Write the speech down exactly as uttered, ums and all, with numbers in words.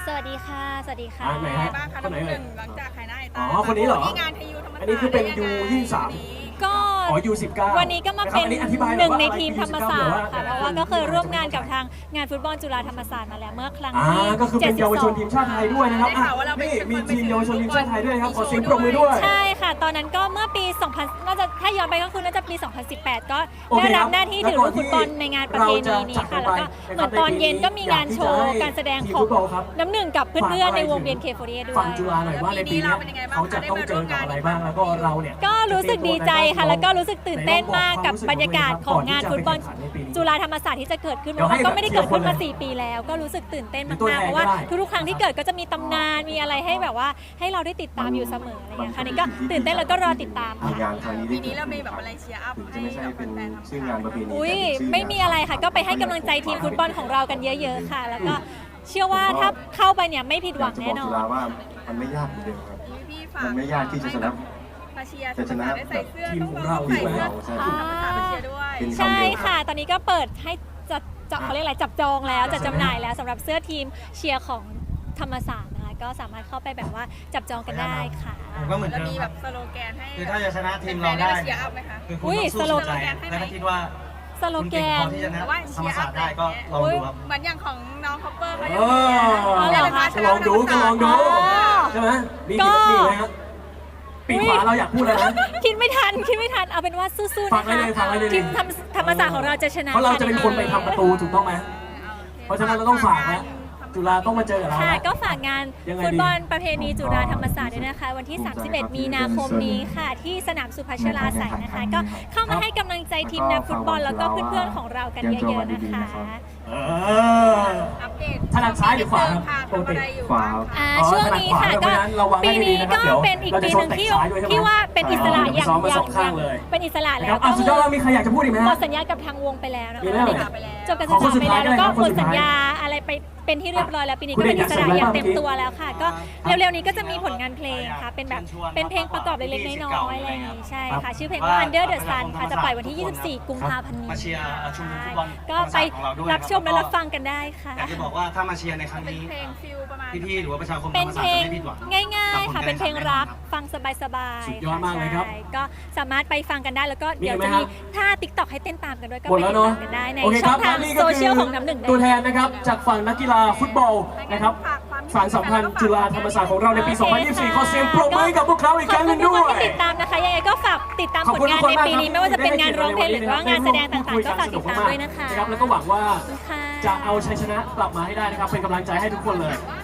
สวัสดีค่ะสวัสดีค่ะอ่าไหนฮะบ้างคะคนไหนน้ำหเอ่ยนึ่งหลังจากขายหน้าไอ้ตาอ๋อคนนี้เหรอที่งานทียูธรรมศาสตร์อันนี้คือเป็นยูยี่สิบสามก็อ๋อยูสิบเก้าวันนี้ก็มาเป็นอัอธิบายหนึ่งอยในว่าทีมธรรมศาสตร์ค่ะเพราะว่าก็เคยร่วมงานกับทางงานฟุตบอลจุฬาธรรมศาสตร์มาแล้วเมื่อครั้งอ่าที่ก็คือเป็นเยาวชนทีมชาติไทยด้วยนะครับอ่ะนี่มีทีมเยาวชนทีมชาติไทยด้วยนะครับขอเสียงปรบมือด้วยใช่ค่ะ ตอนนั้นก็เมื่อปี สองพัน น่าจะถ้าย้อนไปก็คือน่าจะปี สองพันสิบแปด ก็โอเคได้ครัรับบ หน้าที่ถือลูกฟุตบอลในงานประเพณีนี้ค่ะ แล้วก็เหมือนตอนเย็นก็มีงานโชว์การแสดงของน้ำหนึ่งกับเพื่อนๆในวงเวียนเคโฟเรียด้วยฟังจุฬาหน่อยว่าในปีนี้เขาจะต้องเจอกับอะไรบ้างแล้วก็เราเนี่ยก็รู้สึกดีใจค่ะ แล้วก็รู้สึกตื่นเต้นมากกับบรรยากาศของงานฟุตบอลจุฬาธรรมศาสตร์ที่จะเกิดขึ้นเพราะว่าก็ไม่ได้เกิดขึ้นมาสี่ปีแล้ว ก็รู้สึกตื่นเต้นมากๆเพราะว่าทุกๆครั้งที่เกิดก็จะมีตำนานมีอะไรให้แบบว่าให้เราได้ติดตามอยู่เสมออะไรอย่างเงี้ยค่ะนี่ก็ตื่นเต้นแล้วก็รอติดตามค่ะงานครั้งนี้ปีนี้เรามีแบบอะไรเชียร์อัพถึงจะให้ไม่ใช่กับเป็นแฟนๆธรรมชื่อศาสงาตนร์ประเพณีอุ้ยแต่เป็นชื่ไม่มีอะไรค่ะ ก็ไปให้กำลังใจทีมฟุตบอลของเรากันเยอะๆค่ะ แล้วก็เชื่อว่าถ้าเข้าไปเนี่ยไม่ผิดหวังแน่นอจุนฬาว่ามันไม่ยากเหมือนเดิมครับพี่ฝากมันไม่ยากที่จะชนะมาเชียร์ธรรมศาสตร์ได้ใส่เสื้อทีมต้องของเราเราใส่เสื้อใช่ธรรมศาสตร์ไปเชียร์ด้วยเป็นใช่ค่ะ ตอนนี้ก็เปิดให้จัดจับเขาเรียกอะไรจับจองแล้วจัดจำหน่ายแล้วสำหรับเสื้อทีมเชียร์ของธรรมศาสตร์นะคะก็สามารถเข้าไปแบบว่าจับจองกันได้ค่ะก็เหมือนแล้วเดิมมีคแบรับบสโลแกนให้คือถ้าจะชนะทีมเราแฟนๆได้เชียร์อัพไหมคะคือคุณอุ้ยต้องสู้สโลสุดใจแกนให้ไหมและถ้าคิดว่าสโลคุณแกเก่งพอน ที่จะชนะแต่ว่าธรรมศาสตร์ได้ก็ลองดูครับเหมือนอย่างของน้องคอปเปอร์เขาเอยังมีอนะก็ลองดูก็ลองดูอ๋อใช่ไหมมีก็มีไหมครับปีขวาเราอยากพูดอะไรนะคิดไม่ทันคิดไม่ทันเอาเป็นว่าสู้ๆฟันะงไว้คะเลยฟังไว้เลยทีมธรรมธรรมศาสตร์ของเราจะชนะเพราะเราจะเป็นคนไปทำประตูถูกต้องไหมเพราะฉะนั้นเราต้องฝากนะจุฬาต้องมาเจอกับเราค่ะนะก็ฝากงานยังไงดีฟุตบอลประเพณีจุฬาธรรมศาสตร์ด้วยนะคะ วันที่ สามสิบเอ็ด มีนาคมนี้ค่ะ ที่สนามสุพัชราไสยนะคะ ก็เข้ามาให้กำลังใจทีมนักฟุตบอลแล้วก็เพื่อนๆของเรากันเยอะๆนะคะเอออัปเดตถนัดซ้ายหรือขวาครับค่ะทำอะไรอยู่ขวาบ้างอ่าคะช่วงนี้ค่ะก็ปีนี้ก็เป็นอีกปีหนึ่งที่ที่ว่าเป็นอิสระอย่างซ้อมมาอย่าสองข้างงเลยเป็นอิสระนะแล้ครัวบอ่ะสุดยอดแล้วมีใครอยากจะพูดอีกไหมหมฮะดสัญญากับทางวงไปแล้วนะมีคะแล้วเหรอจบการศึกษาไปแล้วแล้วก็ขหอมคนดสุดสัญท้ายญาอะไรไปเป็นที่เรียบร้อยแล้วปีนี้คุก็ณเป็นเอกอิสระอยากอย่างเสริมอะไรเต็มตัวแล้วค่ะ ก็ครับเร็วๆนี้ก็จะมีผลงานเพลงค่ะเป็นแบบเป็นเพลงประกอบเล็กๆน้อยๆอะไรอย่างงี้ใช่ค่ะชื่อเพลงว่า Under the Sun ค่ะจะปล่อยวันที่ ยี่สิบสี่ กุมภาพันธ์นี้มาเชียร์ชุมนุมฟุตบอลก็ไปของเราด้วยรับชมและรับฟังกันได้ค่ะอยากจะบอกว่าถ้ามาเชียร์ในครั้งเป็นนี้เพลงฟิลประมาณพี่ๆหรือว่าประชาคมธรเป็นรมเพศาสตลร์งจะไม่ผิดหวังง่ายๆค่ะ เป็นเพลงรักบฟังสบายๆสุดยอดมากเลยครับใช่ก็สามารถไปฟังกันได้แล้วก็เดี๋ยวมีจะไหมมีครับท่า ติ๊กต็อก ให้เต้นตามกันด้วยก็หมดไปแล้วติดเนาะตามกันได้ในโอเคช่คอรังบทางและนี่ก็โซคืเชียลของน้ำหนึ่งได้ตัวแทนนะครับจากฝั่งนักกีฬาฟุตบอลนะครับสารสัมพันธ์จุฬาธรรมศาสตร์ของเราในปี สองพันยี่สิบสี่ ขอเสียงปรบมือให้กับพวกเขาอีกครั้งหนึงด้วขอบคุณทุกคนยที่ติดตามนะคะยังไงก็ฝากติดตามขอบผลคุณงานทุกคนในมากปีครับนี้ไม่ว่าจะเป็นงานร้องเพลงหรือว่างานแสดงต่างๆก็ฝากติดตามด้วยนะคะนะครับแล้วก็หวังว่าค่ะจะเอาชัยชนะกลับมาให้ได้นะครับเป็นกำลังใจให้ทุกคนเลย